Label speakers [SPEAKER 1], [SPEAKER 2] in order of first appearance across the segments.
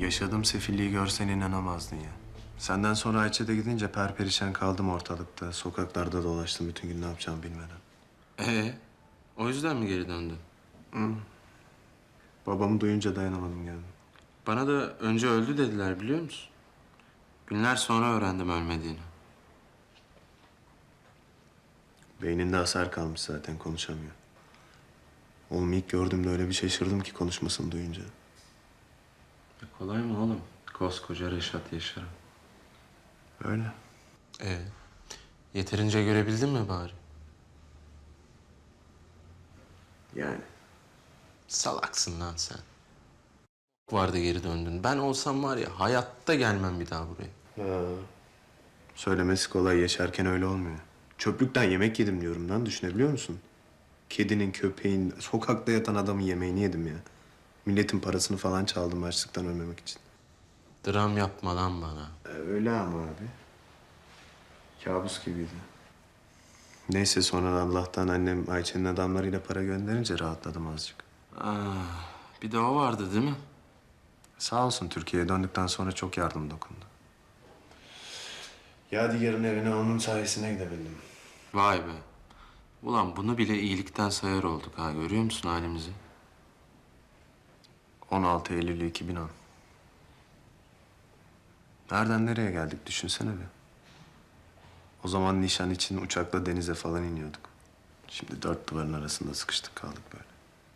[SPEAKER 1] Yaşadığım sefilliği görsen inanamazdın ya. Senden sonra Ayça da gidince perperişan kaldım ortalıkta. Sokaklarda dolaştım bütün gün ne yapacağımı bilmeden.
[SPEAKER 2] O yüzden mi geri döndün?
[SPEAKER 1] Babamı duyunca dayanamadım geldim.
[SPEAKER 2] Bana da önce öldü dediler biliyor musun? Günler sonra öğrendim ölmediğini.
[SPEAKER 1] Beyninde hasar kalmış zaten konuşamıyor. Oğlum ilk gördüğümde öyle bir şaşırdım ki konuşmasını duyunca.
[SPEAKER 2] Kolay mı oğlum? Koskoca Reşat Yaşar'ım.
[SPEAKER 1] Öyle.
[SPEAKER 2] Yeterince görebildin mi bari?
[SPEAKER 1] Yani.
[SPEAKER 2] Salaksın lan sen. Vardı geri döndün. Ben olsam var ya hayatta gelmem bir daha buraya.
[SPEAKER 1] Söylemesi kolay, yaşarken öyle olmuyor. Çöplükten yemek yedim diyorum lan, düşünebiliyor musun? Kedinin, köpeğin, sokakta yatan adamın yemeğini yedim ya. Milletin parasını falan çaldım açlıktan ölmemek için.
[SPEAKER 2] Dram yapma lan bana.
[SPEAKER 1] Öyle ama abi. Kabus gibiydi. Neyse sonra Allah'tan annem Ayça'nın adamlarıyla para gönderince rahatladım azıcık.
[SPEAKER 2] Bir de o vardı değil mi?
[SPEAKER 1] Sağ olsun Türkiye'ye döndükten sonra çok yardım dokundu. Yadigar'ın evine onun sayesinde gidebildim.
[SPEAKER 2] Vay be. Ulan bunu bile iyilikten sayar olduk ha. Görüyor musun halimizi?
[SPEAKER 1] 16 Eylül 2010. Nereden nereye geldik düşünsene bir. O zaman nişan için uçakla denize falan iniyorduk. Şimdi dört duvarın arasında sıkıştık kaldık böyle.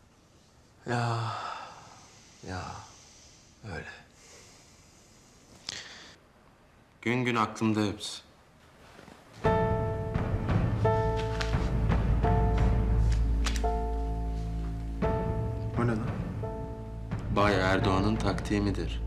[SPEAKER 2] Ya öyle. Gün gün aklımda hepsi.
[SPEAKER 1] O ne lan?
[SPEAKER 2] Bay Erdoğan'ın taktiği midir?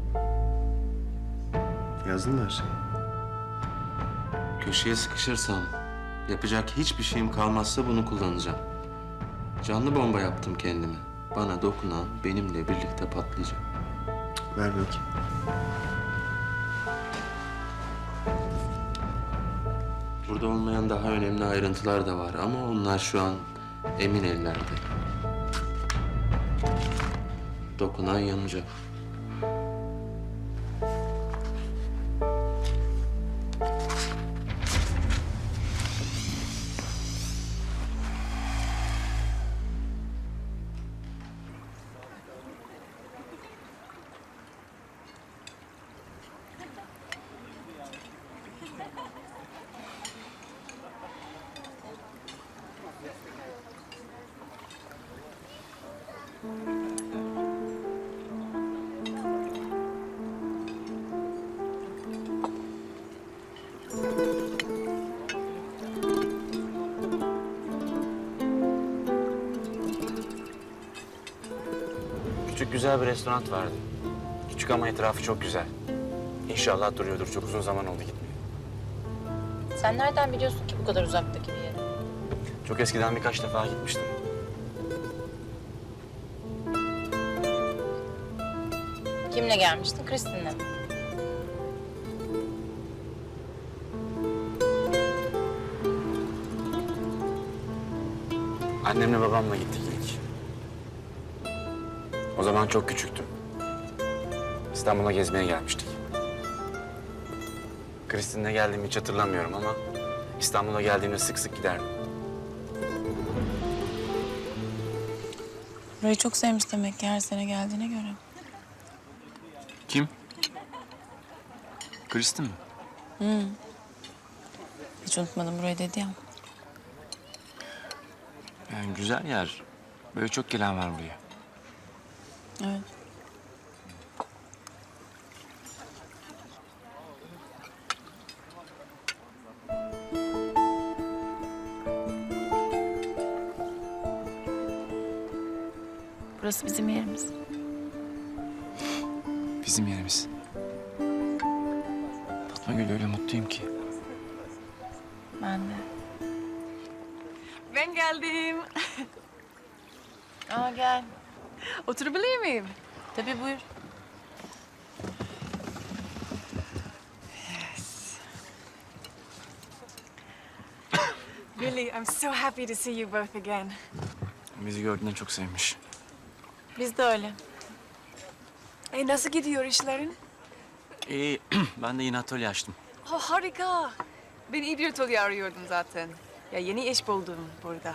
[SPEAKER 1] Yazdın mı her şeyi?
[SPEAKER 2] Köşeye sıkışırsam, yapacak hiçbir şeyim kalmazsa bunu kullanacağım. Canlı bomba yaptım kendime. Bana dokunan benimle birlikte patlayacak.
[SPEAKER 1] Ver bakayım.
[SPEAKER 2] Burada olmayan daha önemli ayrıntılar da var ama onlar şu an emin ellerde. Dokunan yanacak.
[SPEAKER 3] Küçük güzel bir restoran vardı. Küçük ama etrafı çok güzel. İnşallah duruyordur. Çok uzun zaman oldu gitmeye.
[SPEAKER 4] Sen nereden biliyorsun ki bu kadar uzaktaki bir yeri?
[SPEAKER 3] Çok eskiden birkaç defa gitmiştim.
[SPEAKER 4] Kimle gelmiştin? Kristin'le mi?
[SPEAKER 3] Annemle babamla gittik ilk. O zaman çok küçüktüm. İstanbul'a gezmeye gelmiştik. Kristin'le geldiğimi hiç hatırlamıyorum ama İstanbul'a geldiğimde sık sık giderdim.
[SPEAKER 5] Burayı çok sevmiş demek ki her sene geldiğine göre.
[SPEAKER 6] Kim? Kristin mi?
[SPEAKER 5] Hiç unutmadım burayı dedi ya.
[SPEAKER 6] Yani güzel yer. Böyle çok gelen var buraya.
[SPEAKER 5] Evet. Burası bizim yerimiz.
[SPEAKER 6] Bizim yerimiz. Fatma Gül öyle mutluyum ki.
[SPEAKER 5] Ben de.
[SPEAKER 7] Ben geldim.
[SPEAKER 5] Aa gel.
[SPEAKER 7] Oturabilir miyim?
[SPEAKER 5] Tabii buyur.
[SPEAKER 7] Really, I'm so happy to see you both again.
[SPEAKER 6] Bizi gördüğünden çok sevmiş.
[SPEAKER 5] Biz de öyle.
[SPEAKER 7] Nasıl gidiyor işlerin?
[SPEAKER 6] İyi, ben de yine atölye açtım.
[SPEAKER 7] Oh, harika. Ben İdrotol'ü arıyordum zaten. Ya yeni iş buldum burada.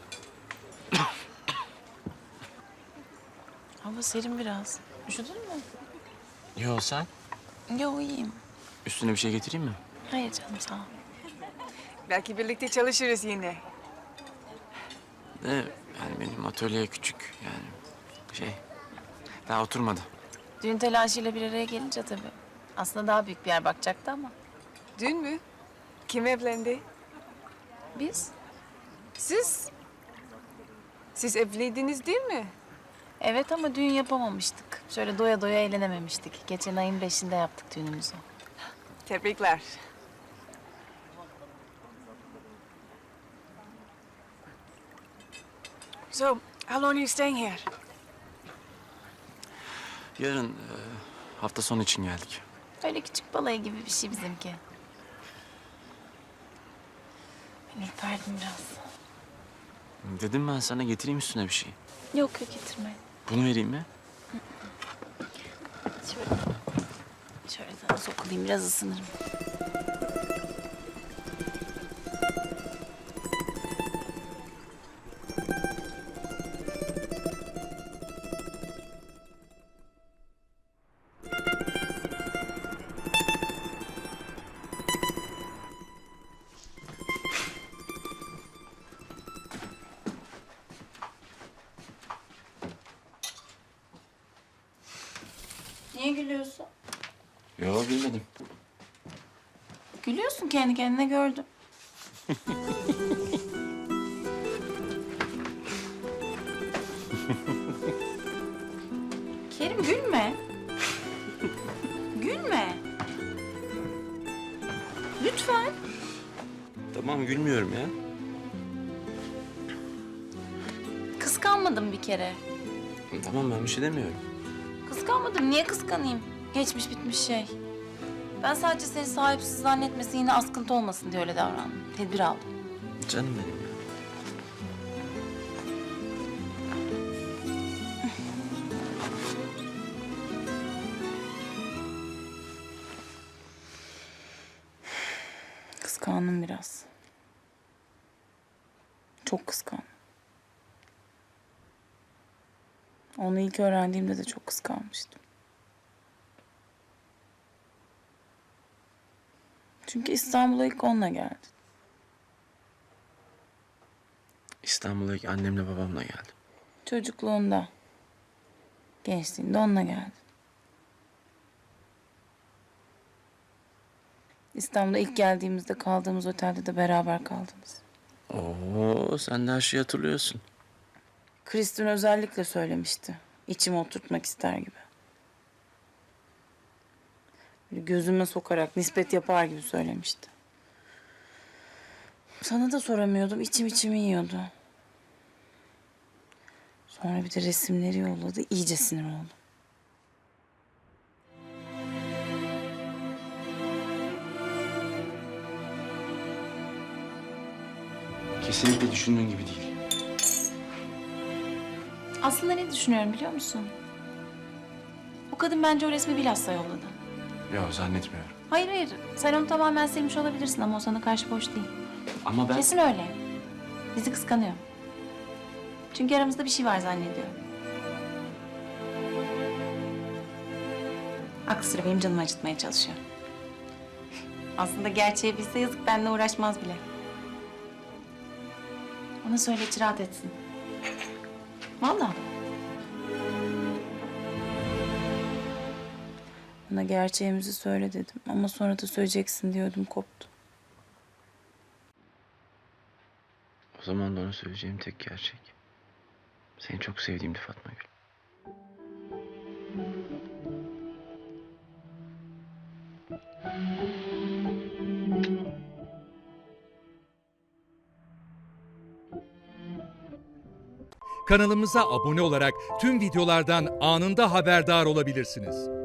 [SPEAKER 5] Hava serin biraz. Üşüdün mü?
[SPEAKER 6] Yo sen?
[SPEAKER 5] Yo iyiyim.
[SPEAKER 6] Üstüne bir şey getireyim mi?
[SPEAKER 5] Hayır canım sağ ol.
[SPEAKER 7] Belki birlikte çalışırız yine.
[SPEAKER 6] De yani benim atölye küçük yani daha oturmadı.
[SPEAKER 5] Düğün telaşıyla bir araya gelince tabii. Aslında daha büyük bir yer bakacaktı ama.
[SPEAKER 7] Dün mü? Kim evlendi?
[SPEAKER 5] Biz?
[SPEAKER 7] Siz? Siz evliydiniz değil mi?
[SPEAKER 5] Evet ama düğün yapamamıştık. Şöyle doya doya eğlenememiştik. Geçen ayın 5'inde yaptık düğünümüzü.
[SPEAKER 7] Tebrikler. So, how long are you staying here?
[SPEAKER 6] Yarın hafta sonu için geldik.
[SPEAKER 5] Öyle küçük balayı gibi bir şey bizimki. Ben ürperdim biraz.
[SPEAKER 6] Dedim ben sana getireyim üstüne bir şey.
[SPEAKER 5] Yok yok getirme.
[SPEAKER 6] Bunu vereyim mi?
[SPEAKER 5] Şöyle sana sokulayım biraz ısınırım. Niye gülüyorsun?
[SPEAKER 6] Yo bilmedim.
[SPEAKER 5] Gülüyorsun kendi kendine gördüm. Kerim gülme. Gülme. Lütfen.
[SPEAKER 6] Tamam gülmüyorum ya.
[SPEAKER 5] Kıskanmadım bir kere.
[SPEAKER 6] Tamam ben bir şey demiyorum.
[SPEAKER 5] Kıskanmadım. Niye kıskanayım? Geçmiş bitmiş şey. Ben sadece seni sahipsiz zannetmesin, yine askıntı olmasın diye öyle davrandım. Tedbir aldım.
[SPEAKER 6] Canım benim ya.
[SPEAKER 5] Kıskandım biraz. Çok kıskandım. Onu ilk öğrendiğimde de çok kıskanmıştım. Çünkü İstanbul'a ilk onunla geldi.
[SPEAKER 6] İstanbul'a ilk annemle babamla geldim.
[SPEAKER 5] Çocukluğunda, gençliğinde onunla geldi. İstanbul'a ilk geldiğimizde kaldığımız otelde de beraber kaldınız.
[SPEAKER 6] Oo sen de her şeyi hatırlıyorsun.
[SPEAKER 5] Kristin özellikle söylemişti. İçime oturtmak ister gibi. Böyle gözüme sokarak nispet yapar gibi söylemişti. Sana da soramıyordum. İçimi yiyordu. Sonra bir de resimleri yolladı. İyice sinir oldum.
[SPEAKER 6] Kesinlikle düşündüğün gibi değil.
[SPEAKER 5] Aslında ne düşünüyorum biliyor musun? O kadın bence o resmi bilhassa yolladı.
[SPEAKER 6] Yok zannetmiyorum.
[SPEAKER 5] Hayır hayır. Sen onu tamamen silmiş olabilirsin ama o sana karşı boş değil.
[SPEAKER 6] Ama ben...
[SPEAKER 5] Kesin öyle. Bizi kıskanıyor. Çünkü aramızda bir şey var zannediyor. Aklı sıra benim canımı acıtmaya çalışıyor. Aslında gerçeği bilse yazık, benimle uğraşmaz bile. Ona söyle hiç rahat etsin. Vallahi. Ona gerçeğimizi söyle dedim ama sonra da söyleyeceksin diyordum, koptu.
[SPEAKER 6] O zaman da ona söyleyeceğim tek gerçek. Seni çok sevdiğimdi Fatma Gül.
[SPEAKER 8] Kanalımıza abone olarak tüm videolardan anında haberdar olabilirsiniz.